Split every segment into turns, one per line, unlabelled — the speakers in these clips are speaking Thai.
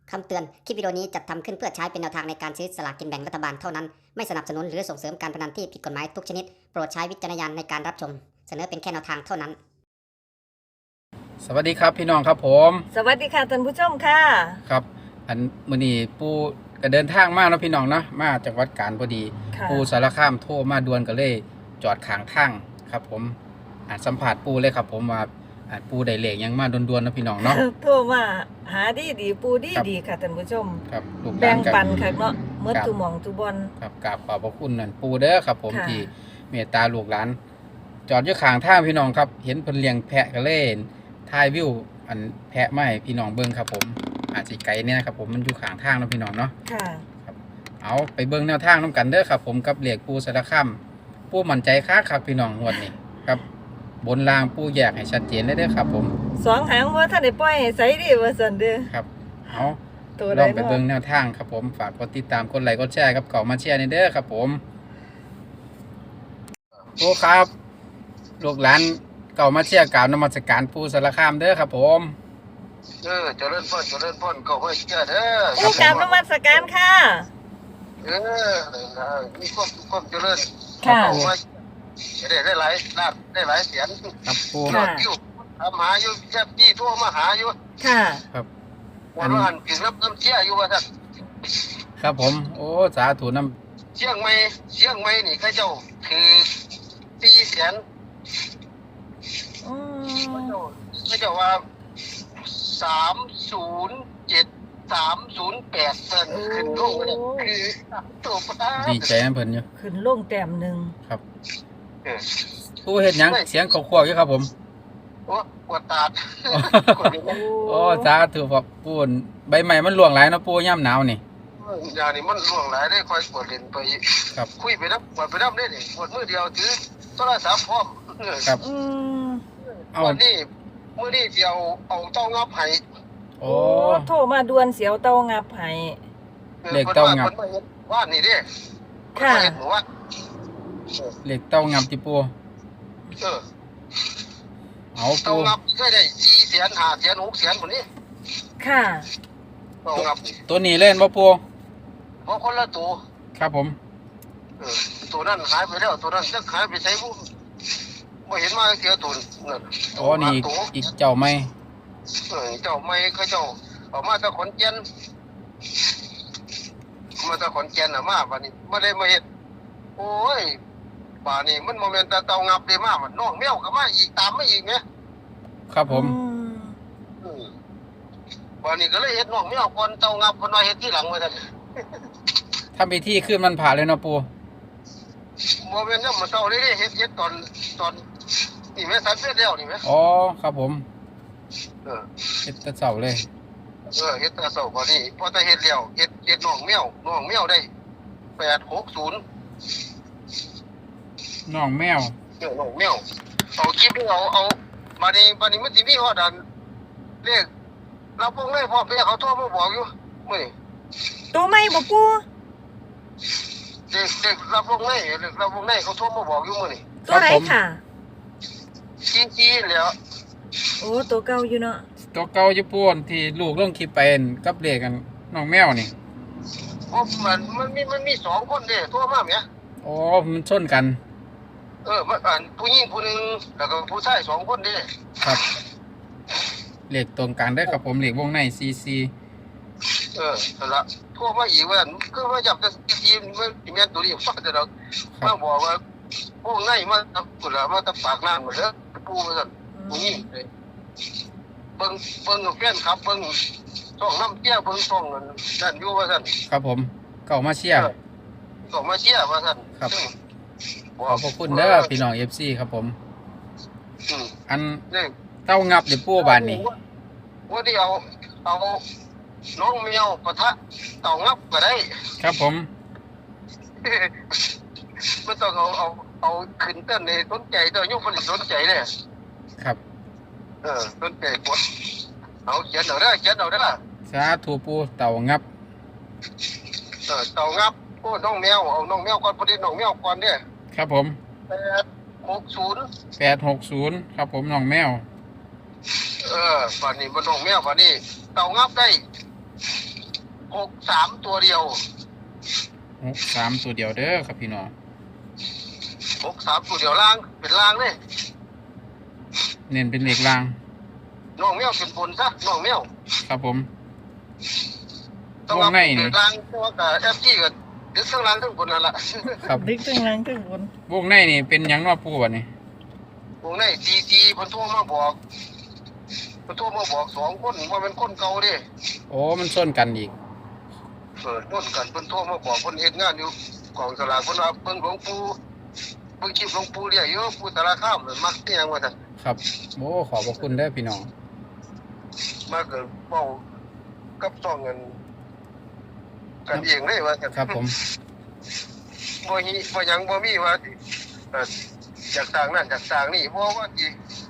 คำเตือน คลิปวิดีโอนี้จัดทำขึ้นเพื่อใช้เป็นแนวทางในการซื้อสลากกินแบ่งรัฐบาลเท่านั้น ไม่สนับสนุนหรือส่งเสริมการพนันที่ผิดกฎหมายทุกชนิด โปรดใช้วิจารณญาณในการรับชม เสนอเป็นแค่แนวทางเท่านั้น
สวัสดีครับพี่น้องครับผม
สวัสดีค่ะท่านผู้ชมค่ะ
ครับอันมื้อนี้ปู่ก็เดินทางมาเนาะพี่น้องเนาะมาจากวัดกาญพอดี
ค่ะ
ปู่สารคามโทรมาด่วนก็เลยจอดข้างทางครับผมสัมผัสปู่เลยครับผมว่าปู่ได้เลขยังมาด่วนๆเนาะพี่น้องเนาะ
โทรมาหาดีปูดี
ครับ
ดีค่ะท่านผู้ชม
ครับลูกหลา
แบ่ง
กั
ปันค่ะเนาะเมื่อตุหมองตุบอล
ครับกราบขอบพระคุณนั่นปู่เด้อครับผม
ค่ะ
ที่เมตตาลูกหลาน จอดอยู่ข้างทางพี่น้องครับ เห็นเพิ่นเลี้ยงแพะก็เลยถ่ายวิวอันแพะมาให้พี่น้องเบิ่งครับผมอาจสิไกลเนี่ยครับผมมันอยู่ข้างทางเนาะพี่น้องเนาะ
ค่ะ
เอาไปเบิ่งแนวทางน้ำกันเด้อครับผมกับเหล็กปูสารคามปูมั่นใจค้าครับพี่น้องงวดนี้ครับบนรางปูแยกให้ชัดเจนเลยเด้อครับผม
สองหางว่าท่านได้ปล่อยให้ใส่ดีว่าซั่นเด้อ
ครับเอา
ตัว
ล
ใด
องไป
เนาะ
เบิ่งแนวทางครับผมฝากกดติดตามกดไลค์กดแชร์ครับเก่ามาแชร์ในเด้อครับผมปูครับลูกหลานเก่ามาแชร์กล่าวนมัสการปูสารคามเด้อครับผม
เจริญพรก็ไว้เจ้าเด้อ
ผู้กราบนมัสการค่ะ
มีความเจริญ
ค่ะ
เอาไว้ได้หลายล้านได้หลายแสน
ครับปู
ค่ะ
อยู่ทำหาอยู่แค่พี่โทรมาหาอยู่
ค่ะ
ครับ
วันวันกินรับน้ำเชี่ยอยู่ว่าท่าน
ครับผมโอ้สาธุน้
เชียงใหม่นี่เขาเจ้าคือ400,000
อืม
เขาเจ้าว่า307 308เซนขึ้นลงเนี่ยคือตัวปลา
ำดีใจน้ำเพิ่นอยู่
ขึ้นลงแต้มหนึง
ครับ
เออ
ปูเฮ็ดหยังเสียงเขาควๆอยู่ครับผม
โอ้ปวดตาด
โอ้สาธุครับปูนใบไม้มันร่วงหลายเนาะปูย่ำหนาวนี่
อย่างนี้มันล่วงหลายได้คอยปวดเล่นไป
ครับ
คุยไปนับปวดไปนับได้ดิปวดมือเดียวถือโทรศัพท์พร้อม
ครับ
อืม
เอา
วันนี้มื้อนี้เดียวเอาเต้างับให้
โอ้
โทรมาด่วนเสียวเตางับให้
เลขเต้างับ
เพิ่นมาเฮ็ดบ้านนี่เด้
ค่ะ
เพิ่นมาเฮ็ดหมู่ว่า
เหล็กเต้างับติปู
เออ
เอา
เต้า
ปู
งับเคยได้400,000 500,000 600,000พุ่นนี่
ค่ะ
เต้างับ
ตัวนี้เล่นบ่ปู
เพราะคนละตัว
ครับผม
เออตัวนั้นหายไปแล้วตัวนั้นจักหายไปไสบ่บ่เห็นมาเสียตัวนั่น
อ๋อนี่อีกเจ้าไหม
เจ้าไม่เขาเจ้าเอามาจากขอนแก่นมาจากขอนแก่นน่ะมาบัดนี้บ่ได้มาเฮ็ดโอ้ยป่านนี้มันบ่แม่นแต่เตางับได้มามันน้องแมวก็มาอีกตามมาอีกแหม
ครับผม
อืมป่านนี้ก็เลยเฮ็ดน้องแมวก่อนเตางับเพิ่นว่าเฮ็ดทีหลังว่าซั่น
ทำพิธีขึ้นมันผ่าเลยเนาะปู
บ่แม่นนำมาเช้าเลยเด้เฮ็ดตอนนี่แม่สันเสร็จแล้วนี่แหม
อ๋อครับผม
เออ
เฮ็ดแต่เช้าเลย
เฮ็ดแต่เช้าบ่นี้พอแต่เฮ็ดแล้วเฮ็ดน้องแมวได้860
น้องแมว
น้องแมวเอาคลิปนี้เอาบัดนี้มันสิมีฮอดอันเลขเราพวกเลยพ่อแม่เขาโทรมาบอกอยู่มื้อนี้
ตัวไม่บ่ปู
เด็กเราพวกเลยเขาโทรมาบอกอยู่มื้อนี้
ตัวไหนค่ะ
ชี้แล้ว
โอ้ตัวเก่าอยู่เนาะ
ตัวเก่าญี่ปุ่นที่ลูกลงคลิปไปนั่นกับเลขกันน้องแมวนี่
เพราะมันมี2คนเด้โทรมาแหม
อ๋อมันชนกัน
มันอันผู้หญิงผู้หนึงแล้วก็ผู้ชาย2คนเด้
ครับเลขตรงกันเด้อครับผมเลขวงใน CC
นั่นล่ะโทรมาอีกว่าคือว่าอยากจะทีมมันสิแม่นตัวนี้ฟังแต่เรามาบอกว่าพวกในมาพุ่นล่ะมาตะปากน้ำหมดเด้อปู่ว่าซั่น ผู้หญิงเลยเบิ่งแฟนครับเบิ่งช่องน้ำเตี้ยเบิ่งช่องนั่นอยู่ว่าซั่น
ครับผมเก่ามาเชียร์
ก็มาเชียร์ว่าซั่น
ครับ
ซึ่ง
ขอบพระคุณเด้อพี่น้อง FC ครับผม
อืม
อัน
นี่
เต้างับเดี๋ยวปูบานนี่
ว่าที่เอาน้องแมวปะทะเต่างับก็ได้
ครับผม
ไม่ต้องเอาขึ้นเต้นเลยสนใจตัวยุคผลิตสนใจเลย
ครับ
สนใจกดเอาเขียนเอาได้อ
สาธุปูเต่างับ
เต่างับโอ้น้องแมวเอาน้องแมวก่อนพอดีน้องแมวก่อนเนี่ย
ครับผม
860
860ครับผมน้องแมว
ป่านนี้มันน้องแมวป่านนี้เต่างับได้ 63ตัวเดียว
63ตัวเดียวเด้อครับพี่น้อง
63ตัวเดียวล่างเป็นล่างเลย
เน้นเป็นเลขราง
น้องแมวเป็นบนซะน้องแมว
ครับผม
ต้องเอาเป็นล่างเพราะว่ากับ FG ก็ดึกทั้งล่างทั้งบนนั่นล่ะ
ครับ
ดึกทั้งหลังทั้งบน
วงในนี่เป็นหยังเนาะปูบัดนี้
วงในCCเพิ่นโทรมาบอก2คนว่าเป็นคนเก่าเด้
โอ้มันส้นกันอีก
ต้นกันเพิ่นโทรมาบอกเพิ่นเฮ็ดงานอยู่กองสลากเพิ่นว่าเบิ่งหลวงปู่เบิ่งคลิปหลวงปู่เรียกอยู่ปู่สารคามมักเตียงว่าซั่น
ครับโอ้ขอบพระคุณเด้อพี่น้อง
มาเกิดเว้ากับซ่องกันเองเลยว่าซั่น
ครับผม
บ่หยังบ่มีว่าสิอยากสร้างนั่นอยากสร้างนี่บ่ว่าสิ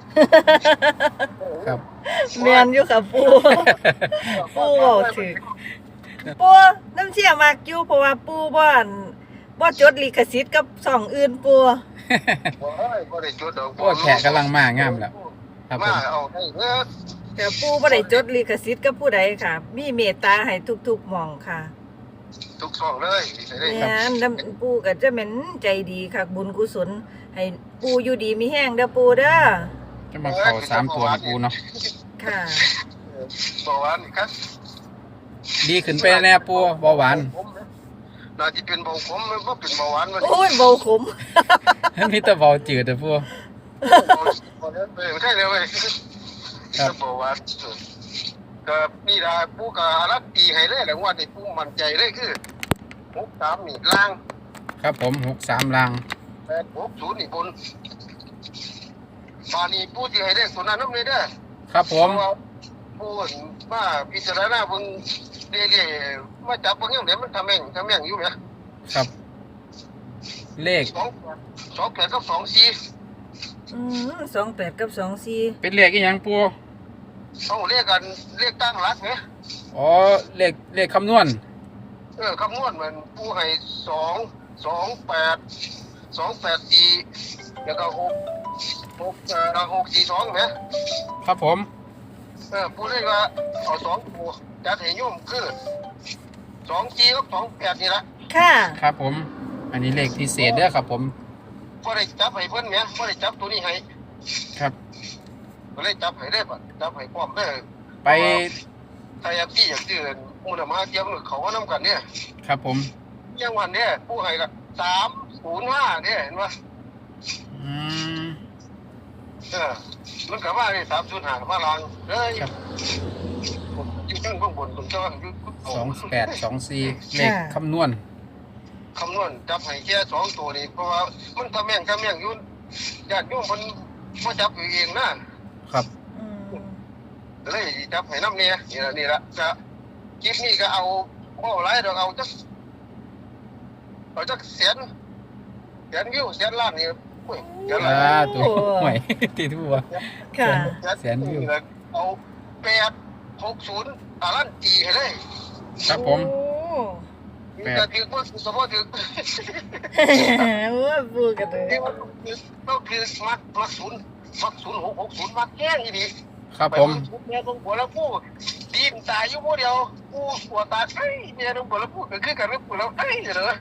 ครับ
แม่นอยู่ค่ะปู ปูเว้าถึก ปูน้ำเชี่ยมากอยู่เพราะว่าปูบ่จดลิขสิทธิ์กับช่องอื่นปู
บ่ได้จดดอก
โอ้แขกกำลังมางามแล้วครับผม
มาเอาให้เด้อ
แต่ปูบ่ได้จดลิขสิทธิ์กับผู้ใดค่ะ มีเมตตาให้ทุกๆหม่องค่ะ
ทุกช่องเลยได้
แม่นน้ำปูก็จะแม่นใจดีค่ะบุญกุศลให้ปูอยู่ดีมีแห้งเด้อปูเด้อ
จะมาเข้า3ตัวของปูเนาะ
ค่ะ
บ่หวานนี่ครับ
ดีขึ้นไปแน่ปูเบาหวาน
น่าจะเป็นเบาขมมันบ่เป็นเบาหวานมัน
โอ้ยเบาขม
มีแต่เบาจืดแต่ปู
ใช่เลยเว้ยเบาหวานก็นี่ล่ะผู้ก็รับตีให้เลยแหละว่านี่ผู้มั่นใจเลยคือ63นี่ล่าง
ครับผม63ราง
860นี่บนบานี้ผู้ที่ให้เลขตัวนั้นนำเลยเด้อ
ครับผม
ผู้มาพิจารณาเบิ่งเรื่อยๆมาจับเบิ่งจังได๋มันทำแม่งอยู่แหม
ครับ เลข
28กับ24
28กับ24
เป็นเลขอีหยังปู
เอาเรียกกันเรียกตั้งรักไหม
อ๋อเลขคำนวณ
คำนวณมันผู้ให้228 4แล้วก็642ไหม
ครับผม
ผู้เรียกว่าเอา2ตัวจัดให้โยมคือ24กับ28นี่ละ
ค่ะ
ครับผม อันนี้เลขพิเศษเด้อครับผม
บ่ได้จับให้เพิ่นแหมบ่ได้จับตัวนี้ให้
ครับ
ก็เลยจับให้ได้บ่จับให้พร้อมเด้อ
ไป
ถ้าอยากที่อยากซื้อมูลมาเทียมเขาก็นำกันเนี่ย
ครับผม
อย่างวันเนี่ยผู้ให้ก็305เนี่ยเห็นบ่
อืม
มันก็ว่าได้305มาลางเอ้ย
ครับ
อยู่ข้างบนผมจะว่าอยู่
2824เลขคำนวณ
คำนวณจับให้แค่2ตัวนี่เพราะว่ามันทำแม่งอยู่ญาติโยมเพิ่นบ่จับเองนะครับ
อืม
เลยจับให้นำเนี่ยนี่ล่ะจะคลิปนี้ก็เอาบ่หลายดอกเอาจักแสนวิวแสนล้านนี่โอ้ยแสนล้าน
ตัวห่วย ตีทั่ว
ค่ะ
แสนวิว
เอา860ล้านจีให้เลย
ครับผม
โอ้
ก็ถือว่าสมมุติถือ
ว่าปูกันเลย
ที่ว่าต้องคือมัก0660มักแห้งอีดี
ครับผม
เมียต้องบัวแล้วผู้ดีนตายอยู่ผู้เดียวผู้หัวตาเอ้ยเมียต้องบัวแล้วผู้ก็คือกันแล้วผู้แล้วเอ้ยเหรอ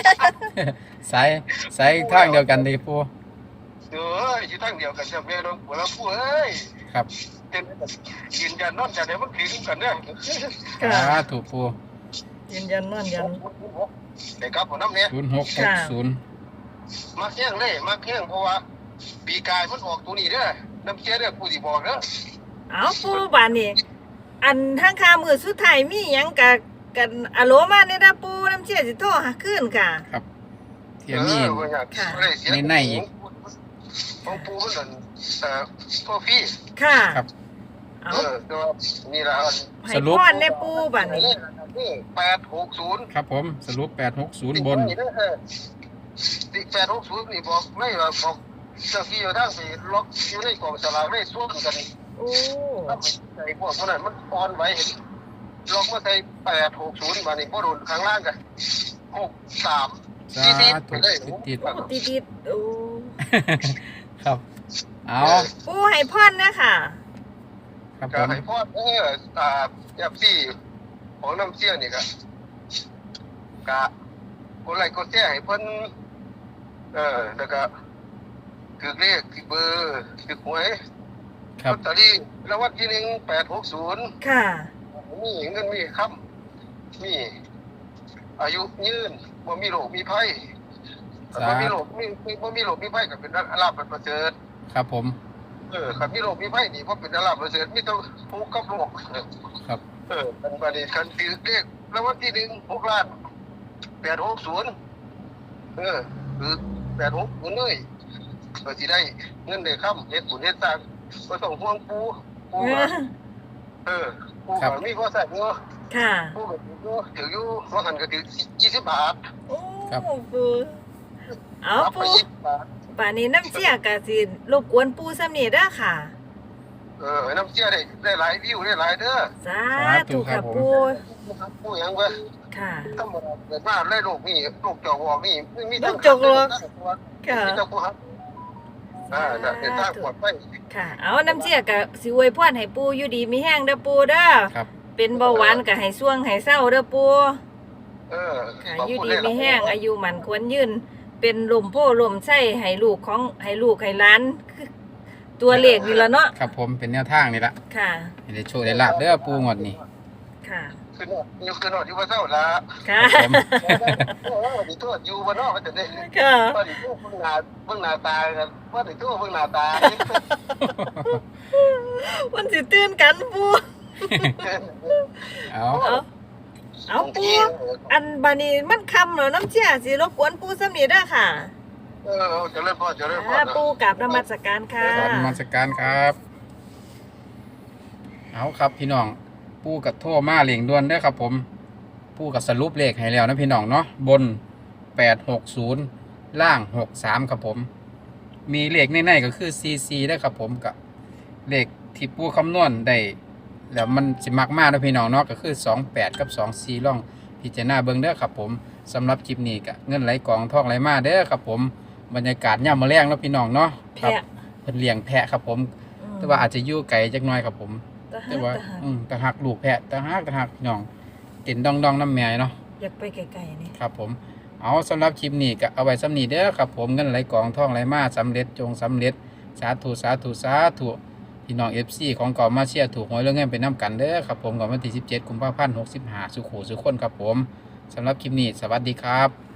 สายทางเดียวกันดีปู
อยู่ทางเดียวกันจะเมียต้องบัวแล้วผู้เอ้ย
ครับ
เป็นยืนยันนอนจากไหนมันถึงกันเนี่ย
ถูกปู
ยืนยันนอนยัน
เด็กครับผมน้ำเนี่ย
0660
มาแห้งเลยมาแห้งเพราะว่าปีกายมันออกตัวนี้เด้อน้ำเชี่ยเด้อผู้ที่บอกเด้อ
เอาปูบานนี่อันทางคามือสุดท้ายมีหยังกันอะโลมาเนี่ยนะปูน้ำเชี่ยสิโทรหาขึ้นค่ะ
ครับเทียมี่ ในอีก
ของปูมันนั่นพ่อพี่
ค่ะ
ครับ
เอา
ตัวนี่ละ
ให้พรในปูบานนี่
860
ครับผมสรุป860บน
860นี่บอกไม่ว่าบอกเจ้าที่อยู่ทางสิล็อกอยู่ในกล่องสลากได้ส่วนกัน
โอ้
ใส่พวกนั้นมันอ่อนไหวเห็นล็อกมาใส่860บาดนี้บ่โดนข้างล่างกัน63
สาธุติด
ติดโอ้
ครับ เอา
ปูให้พรนะค่ะ
ครับผ
ก็
ม
ให้พ่อจับซี่ของน้ำเชี่ยนี่ก็กะกดไลค์กดแชร์ให้เพิ่นแล้วก็คือเลขคือเบอร์คือหวย
ครับ
ลอตเตอรี่รางวัลที่1 860
ค่ะ
มีเงินมีคำมีอายุยืนบ่มีโรคมีภัยบ่มีโรคบ่มีโรคมีภัยก็เป็นลาภประเสริฐ
ครับผม
ครับมีโรคมีภัยนี่บ่เป็นลาภประเสริฐมีแต่ทุกข์กับโรค
ครับ
มันบัดนี้คันถือเลขรางวัลที่6 ล้าน860คือ860เลยก็สิได้เงินได้คำเฮ็ดบุญเฮ็ดสร้างบ่ต้องห่วงปู่ปู่ก็มีบ่ใส่เนาะ
ค่ะ
ปู่ก็ถืออยู่ว่าหันก็ถือ20 บาท
โอ้ปูเอา
รับไป
ปู
20 บาท
ป่านนี้น้ำเชี่ยก็สิรบกวนปูซ้ำนี่เด้อค่ะ
น้ำเชื่อได้หลายวิวได้หลายเด้อ
สาธุค่ะปู
ปู่หยังเว้ย
ค่ะ
ธรรมดาเกิดมาได้โรคนี่โรคจอกวอกนี่มี
โรคจอกวอก ค่ะ
มีแต่ผู้ฮักเป็นทางปลอดภัย
ค่ะ เอาน้ำเชี่ยก็สิอวยพรให้ปูอยู่ดีมีแห้งเด้อปูเด้อ
ครับ
เป็นเบาหวานก็ให้ช่วงให้เศร้าเด้อปู ค่ะ
ขอบ
อยู่
คุณ
ดีมีแห้งอายุมันควรยืน เป็นลมโพลมไส้ให้ลูกให้หล้านคือตัวเลขนี่ละเนาะ
ครับผมเป็นแนวทางนี่ละ
ค่ะ
ให้ได้โชคได้ลาบเด้อปูงวดนี้
ค่ะ
คือนอนอยู่ว่าเศร้าละ
ค่ะ
ผม
ดิโทษอยู่บ่เนาะมันจะได้
ค่ะ
ว่าดิโทษเบิ่งหน้าตากันว่าดิโทษเบิ่งหน้าตา
มันสิตื่นกันปู
เอา
เอาปูอันบานี้มันคำเหรอน้ำเชี่ยสิรบกวนปูซ้ำนี่เด้อค่ะ
เจริญพรเจริญพร
ปูกับนมัสการค่ะ
กราบนมัสการครับ เอาครับพี่น้อง ปูกับโทรมาเหลียงด่วนเด้อครับผม ปูกับสรุปเลขให้แล้วนะพี่น้องเนาะ บน 860 ล่าง 63 ครับผม มีเลขในๆก็คือ CC ได้อครับผมกับเลขที่ปูคำนวณได้ แล้วมันสิมักมากนะพี่น้องเนาะก็คือ 28 กับ 24ล่องพิจารณาเบิ่งเด้อครับผมสำหรับคลิปนี้ก็เงินไหลกองทองไหลมาเด้อครับผมบรรยากาศย่ำมะแรงเนาะพี่น้องเนาะครับ
แพะ
เพิ่นเลี้ยงแพะครับผม แต่ว่าอาจจะอยู่ไกลจักหน่อยครับผม แต่ว่าตะหักลูกแพะตะหักพี่น้องเต็นดองน้ำแม่เนาะ
อยากไปไกลๆนี่
ครับผมเอาสำหรับคลิปนี้ก็เอาไว้สำนีเด้อครับผมเงินไหลกองทองไหลมาสำเร็จจงสำเร็จสาธุสาธุสาธุพี่น้อง FC ของเก่ามาเชียร์ถูกหวยเรื่องเงินเป็นน้ำกันเด้อครับผมก่อนวันที่17 กุมภาพันธ์ 65สุขุสุขคนครับผมสำหรับคลิปนี้สวัสดีครับ